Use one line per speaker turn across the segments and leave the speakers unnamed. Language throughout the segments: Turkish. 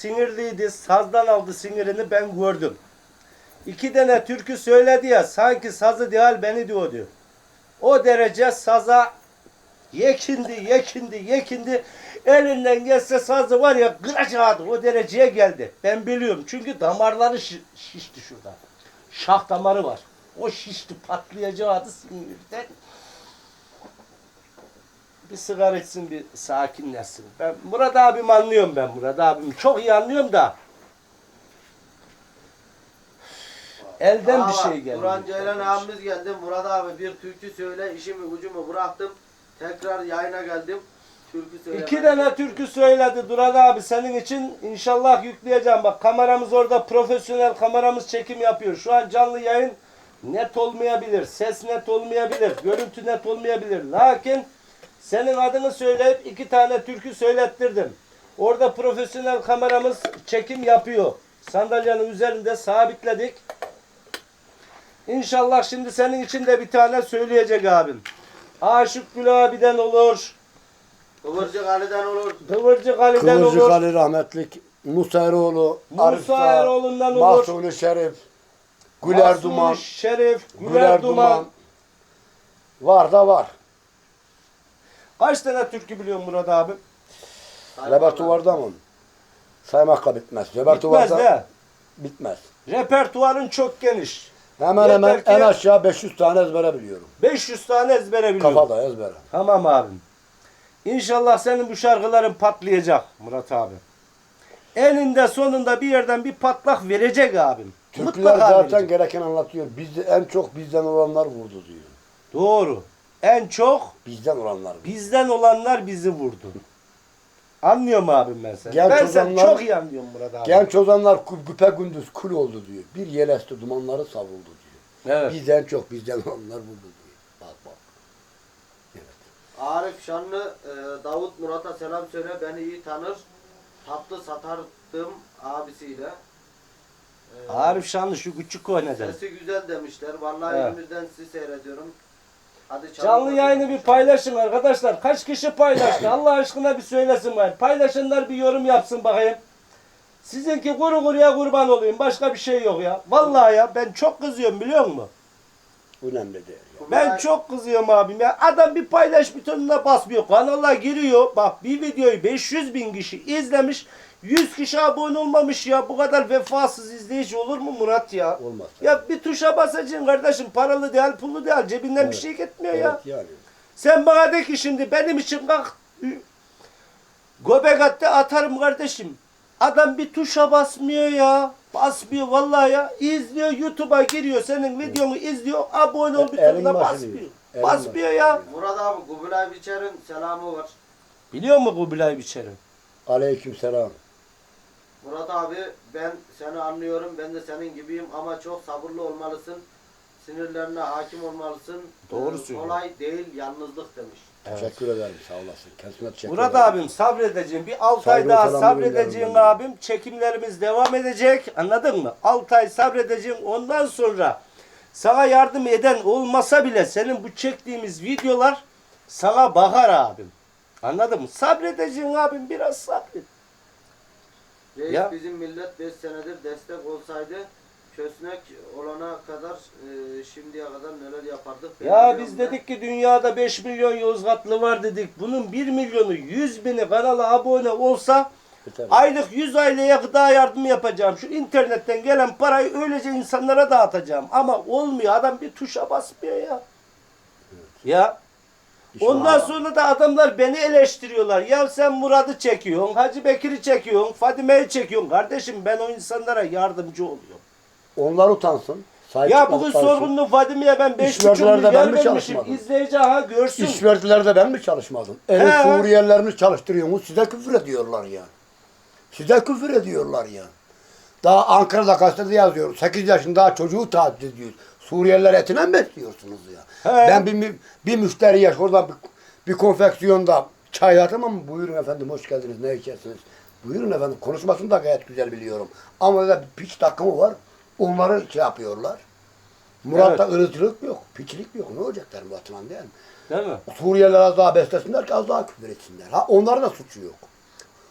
sinirliydi. Sazdan aldı sinirini, ben gördüm. 2 tane türkü söyledi ya, sanki sazı değil beni diyordu. O derece saza yekindi. Elinden gelse sazı var ya kıracaktı. O dereceye geldi. Ben biliyorum. Çünkü damarları şişti şurada. Şah damarı var. O şişti, patlayacaktı sinirden. Bir sigara içsin, bir sakinleşsin. Ben Murat abim anlıyorum ben. Murat abimi çok iyi anlıyorum da. Elden bir şey geldi.
Duran Ceylan abimiz geldi. Murat abi bir türkü söyle, işimi ucumu bıraktım. Tekrar yayına geldim. Türkü söyle.
2 tane türkü söyledi Duran abi senin için. İnşallah yükleyeceğim. Bak kameramız orada, profesyonel kameramız çekim yapıyor. Şu an canlı yayın net olmayabilir. Ses net olmayabilir. Görüntü net olmayabilir. Lakin senin adını söyleyip 2 tane türkü söylettirdim. Orada profesyonel kameramız çekim yapıyor. Sandalyenin üzerinde sabitledik. İnşallah şimdi senin için de bir tane söyleyecek abim. Aşık Gül abiden olur.
Kıvırcık Ali'den olur.
Kıvırcık Ali'den
Kıvırcık
olur.
Ali rahmetlik, Musa Eroğlu,
Musa Eroğlu'ndan olur.
Mahsuni Şerif, Güler
Mahsuni
Duman,
Şerif, Güler Duman.
Var da var.
Kaç tane türkü biliyorsun Murat abi?
Repertuvarda mı? Saymakla bitmez.
Bitmez
Repertuvarda
de.
bitmez.
Repertuarın çok geniş.
Hemen hemen
Yeter ki
en aşağı 500 tane ezbere biliyorum.
500 tane ezbere biliyorum.
Kafada ezbere.
Tamam abim. İnşallah senin bu şarkıların patlayacak Murat abi. Eninde sonunda bir yerden bir patlak verecek abim.
Türküler
Mutlaka
zaten
verecek.
gereken anlatıyor. En çok bizden olanlar vurdu diyor.
Doğru. En çok
Bizden olanlar vurdu.
bizden olanlar bizi vurdu. Anlıyorum abim ben seni.
Genç
Ben seni
olanlar-
çok iyi anlıyorum Murat abi.
Genç ozanlar güpe gündüz kul oldu diyor. Bir yel esti dumanları savuldu diyor.
Evet.
Bizden çok bizden olanlar vurdu diyor. Bak bak.
Arif Şanlı, Davut Murat'a selam söyle, beni iyi tanır. Tatlı satardım abisiyle.
Arif Şanlı şu küçük o neden?
Sesi güzel demişler. Vallahi
Evet.
elimizden sizi seyrediyorum. Hadi
Canlı yayını bir paylaşın arkadaşlar. Kaç kişi paylaştı? Allah aşkına bir söylesin bari. Paylaşanlar bir yorum yapsın bakayım. Sizinki kuru kuruya kurban olayım. Başka bir şey yok ya. Vallahi ya ben çok kızıyorum biliyor musun?
Önemli değil. Ya.
Ben çok kızıyorum abim ya. Adam bir paylaş butonuna basmıyor. Kanala giriyor. Bak bir videoyu 500 bin kişi izlemiş. 100 kişi abone olmamış ya. Bu kadar vefasız izleyici olur mu Murat ya?
Olmaz.
Ya bir tuşa basacaksın kardeşim. Paralı değil, pullu değil. Cebinden bir
Evet.
şey gitmiyor ya.
Evet yani.
Sen bana de ki şimdi benim için kalk göbek attı atarım kardeşim. Adam bir tuşa basmıyor ya. Basmıyor vallahi ya. İzliyor, YouTube'a giriyor. Senin videonu izliyor. Abone ol
Elin
butonuna
başını
basmıyor.
yiyor. Elin
Basmıyor
başını
ya.
Murat abi Kubilay Biçer'in selamı var.
Biliyor musun Kubilay Biçer'i?
Aleykümselam.
Murat abi ben seni anlıyorum. Ben de senin gibiyim ama çok sabırlı olmalısın. Sinirlerine hakim olmalısın.
Doğru söylüyor.
Kolay değil yalnızlık demiş.
Teşekkür ederim. Sağ olasın. Kendisine teşekkür
Murat
ederim.
abim sabredeceğim. Bir 6 ay
Saygı ve
daha
selamı
sabredeceğim
gönderirim ben.
abim. Çekimlerimiz devam edecek. Anladın mı? 6 ay sabredeceğim. Ondan sonra sana yardım eden olmasa bile senin bu çektiğimiz videolar sana bakar abim. Anladın mı? Sabredeceksin abim. Biraz sabret.
Reis
Ya.
bizim millet 5 senedir destek olsaydı kösnek olana kadar şimdiye kadar neler yapardık. Ben
Ya
biliyorum
biz
ben.
dedik ki dünyada 5 milyon Yozgatlı var dedik. Bunun 1 milyonu 100 bini kanala abone olsa
Yeter.
aylık 100 aileye gıda yardımı yapacağım. Şu internetten gelen parayı öylece insanlara dağıtacağım. Ama olmuyor. Adam bir tuşa basmıyor ya. Ya. Ondan sonra da adamlar beni eleştiriyorlar. Ya sen Murat'ı çekiyorsun, Hacı Bekir'i çekiyorsun, Fadime'yi çekiyorsun. Kardeşim ben o insanlara yardımcı oluyorum.
Onlar utansın. Sahip
Ya
çıkmak
bugün
utansın.
sorgunlu Fadime'ye ben 5,5
İşvercilerde ben
milyar
mi
vermişim.
çalışmadım?
İzleyici aha görsün.
İşvercilerde ben mi çalışmadım? Evet
He.
Suriyelilerimiz çalıştırıyorsunuz. Size küfür ediyorlar ya. Size küfür ediyorlar ya. Daha Ankara'da gazetede yazıyor. 8 yaşında çocuğu taciz ediyor. Suriyeliler etine mi besliyorsunuz ya?
He.
Ben bir müşteriye oradan bir konfeksiyonda çay atamam mı? Buyurun efendim hoş geldiniz. Ne içersiniz? Buyurun efendim. Konuşmasını da gayet güzel biliyorum. Ama da bir piç takımı var. Onları şey yapıyorlar. Murat'ta ırıcılık yok. Piçlik yok. Ne olacaklar Murat'la değil mi?
Değil mi?
Suriyeliler az daha beslesinler ki az daha küfür etsinler. Ha onların da suçu yok.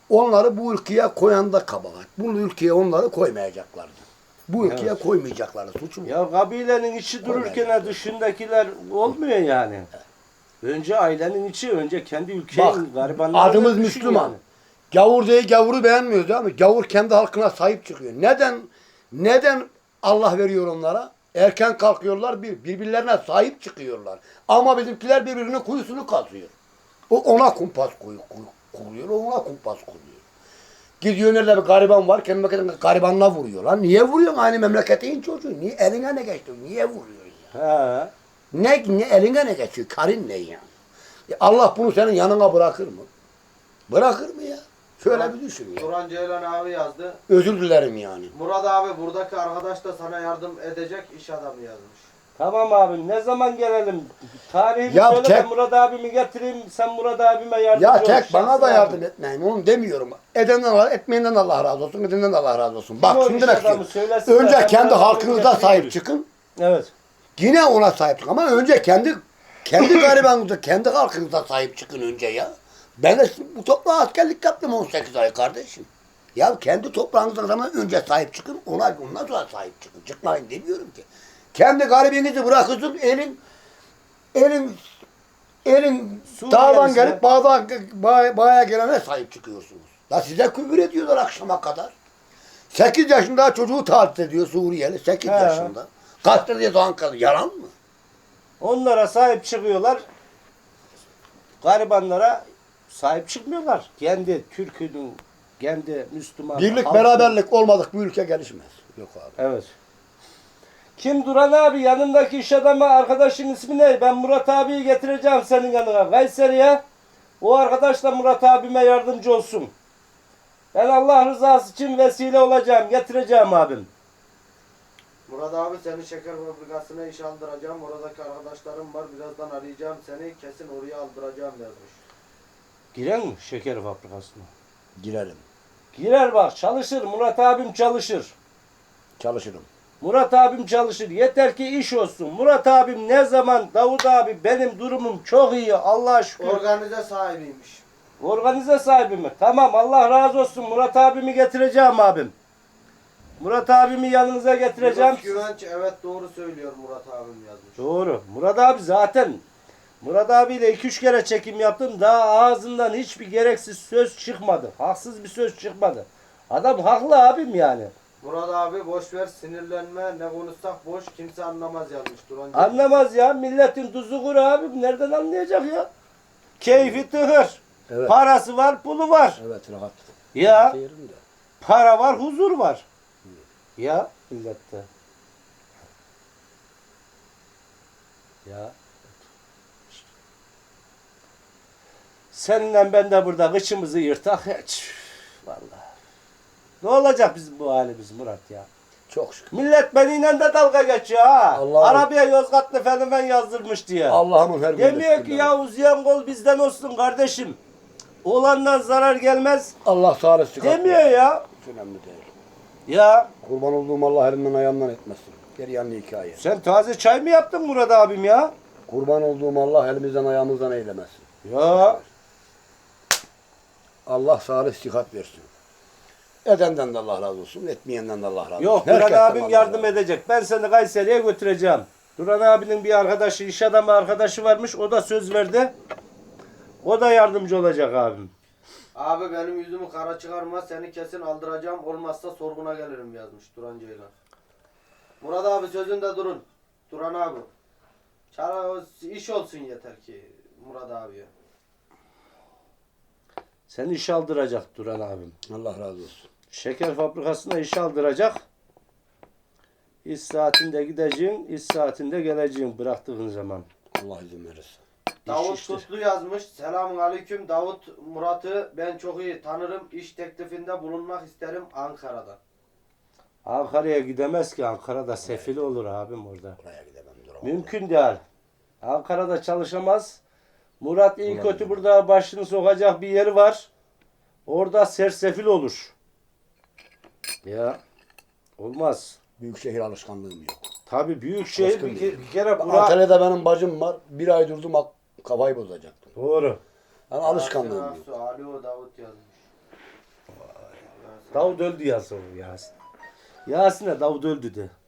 Onları bu ülkeye koyan da kabahat. Bu ülkeye onları koymayacaklardı. Bu ülkeye
Evet.
koymayacaklardı. Suçu bu.
Ya kabilenin içi dururken dışındakiler olmuyor yani. Önce ailenin içi, önce kendi ülkenin
Bak,
garibanlarını
adımız
düşün
Müslüman.
yani.
Gavur değil, gavuru beğenmiyoruz değil mi? Gavur kendi halkına sahip çıkıyor. Neden Allah veriyor onlara? Erken kalkıyorlar, birbirlerine sahip çıkıyorlar. Ama bizimkiler birbirinin kuyusunu kazıyor. O ona kumpas kuruyor, o ona kumpas kuruyor. Gidiyor nerede bir gariban var, kendi memleketinde garibanla vuruyor. Lan niye vuruyorsun aynı memleketin çocuğu? Niye eline ne geçti? Niye vuruyorsun ya?
He.
Ne eline ne geçiyor? Karın ne yani? Allah bunu senin yanına bırakır mı? Bırakır mı ya? Şöyle bir düşün ya.
Turan Ceylan abi yazdı.
Özür dilerim yani.
Murat abi buradaki arkadaş da sana yardım edecek iş adamı yazmış.
Tamam abim, ne zaman gelelim? Tarihimi
Ya
söyle de
tek-
Murat abimi getireyim, sen Murat abime yardımcı
Ya
ol.
tek bana
Şahsın
da
abi.
yardım etmeyin. Onu demiyorum. Edenden Allah, etmeyenden Allah razı olsun. Edenden Allah razı olsun. Bak
o
şunu
iş
demek
adamı
istiyorum.
söylesin de
Önce
ben
kendi
Murat
halkınıza
abimi
sahip
getireyim.
çıkın.
Evet.
Yine ona sahip çıkın. Ama önce kendi garibanınıza, kendi halkınıza sahip çıkın önce ya. Ben de bu toprağa askerlik yaptım 18 ay kardeşim. Ya kendi toprağınıza zaman önce sahip çıkın. Ondan sonra sahip çıkın. Çıkmayın demiyorum ki. Kendi garibinizi bırakırsın elin dağdan
Suriyelisi.
gelip bağa gelene sahip çıkıyorsunuz. La size küfür ediyorlar akşama kadar. 8 yaşında çocuğu taciz ediyor Suriyeli. 8
He.
yaşında. Gazetede Ankara. Yalan mı?
Onlara sahip çıkıyorlar. Garibanlara sahip çıkmıyorlar. Kendi Türk'ünün, kendi Müslüman.
Birlik
halkın-
beraberlik olmadık bu ülke gelişmez. Yok abi.
Evet. Kim Duran abi? Yanındaki iş adamı arkadaşın ismi ne? Ben Murat abiyi getireceğim senin yanına. Kayseri'ye. O arkadaş da Murat abime yardımcı olsun. Ben Allah rızası için vesile olacağım. Getireceğim abim.
Murat abi seni şeker fabrikasına iş aldıracağım. Oradaki arkadaşlarım var. Birazdan arayacağım seni. Kesin oraya aldıracağım yazmış.
Giren mi şeker fabrikasına?
Girelim.
Girer bak, çalışır. Murat abim çalışır.
Çalışırım.
Murat abim çalışır. Yeter ki iş olsun. Murat abim ne zaman Davut abi benim durumum çok iyi. Allah'a şükür.
Organize sahibiymiş.
Organize sahibi mi? Tamam, Allah razı olsun. Murat abimi getireceğim abim. Murat abimi yanınıza getireceğim.
Yunus Güvenç evet doğru söylüyor Murat abim yazmış.
Doğru. Murat abi zaten Murat abiyle 2-3 kere çekim yaptım. Daha ağzından hiçbir gereksiz söz çıkmadı. Haksız bir söz çıkmadı. Adam haklı abim yani.
Murat abi boş ver sinirlenme ne konuşsak boş kimse anlamaz yazmış Turan Ceylan.
Anlamaz ya. Milletin tuzu kuru abim. Nereden anlayacak ya? Keyfi tıhır.
Evet.
Parası var, pulu var.
Evet rahat.
Ya
Yerinde.
para var, huzur var. Ya millette. Ya. Seninle ben de burada kıçımızı yırtak hiç. Vallahi. Ne olacak bizim bu halimiz Murat ya?
Çok şükür.
Millet benimle de dalga geçiyor ha.
Allah-
Arabaya Yozgatlı fenomen yazdırmış diye.
Allah'ımın her
Demiyor ki ya uzayan kol bizden olsun kardeşim. Olandan zarar gelmez.
Allah sağlık çıkar.
Demiyor ya.
Hiç önemli değil.
Ya
Kurban olduğum Allah elimden ayağımdan etmesin. Geri yanlı hikaye.
sen taze çay mı yaptın Murat abim ya?
Kurban olduğum Allah elimizden ayağımızdan eylemesin.
Ya.
Allah sağlık sıhhat versin. Edenden de Allah razı olsun, etmeyenden de Allah razı olsun.
Yok Duran
Herkesten
abim
Allah
yardım
razı olsun.
edecek. Ben seni Kayseri'ye götüreceğim. Duran abinin bir arkadaşı, iş adamı arkadaşı varmış. O da söz verdi. O da yardımcı olacak abim.
Abi benim yüzümü kara çıkarma seni kesin aldıracağım olmazsa sorguna gelirim yazmış Turan Ceylan. Murat abi sözünde durun. Turan abi. İş olsun yeter ki Murat abiye.
Seni iş aldıracak Duran abim.
Allah razı olsun.
Şeker fabrikasına iş aldıracak. İş saatinde gideceğim, iş saatinde geleceğim bıraktığın zaman.
Allah izin verirse.
Davut
işte.
Tutlu yazmış. Selamun aleyküm. Davut Murat'ı ben çok iyi tanırım. İş teklifinde bulunmak isterim Ankara'da.
Ankara'ya gidemez ki. Ankara'da sefil olur abim orada.
Oraya gidemem duramam.
Mümkün değil. Ankara'da çalışamaz. Murat iyi kötü burada başını sokacak bir yeri var. Orada sersefil olur. Ya olmaz.
Büyük şehir alışkanlığım yok.
Tabii büyük şehir
Başka
bir kere bura...
Antalya'da benim bacım var. Bir ay durdum kafayı bozacaktım.
Doğru.
Yani alışkanlığım yok.
Alo Davut yazmış.
Davut öldü yazıyor Yasin. Yasin'e Davut öldü de.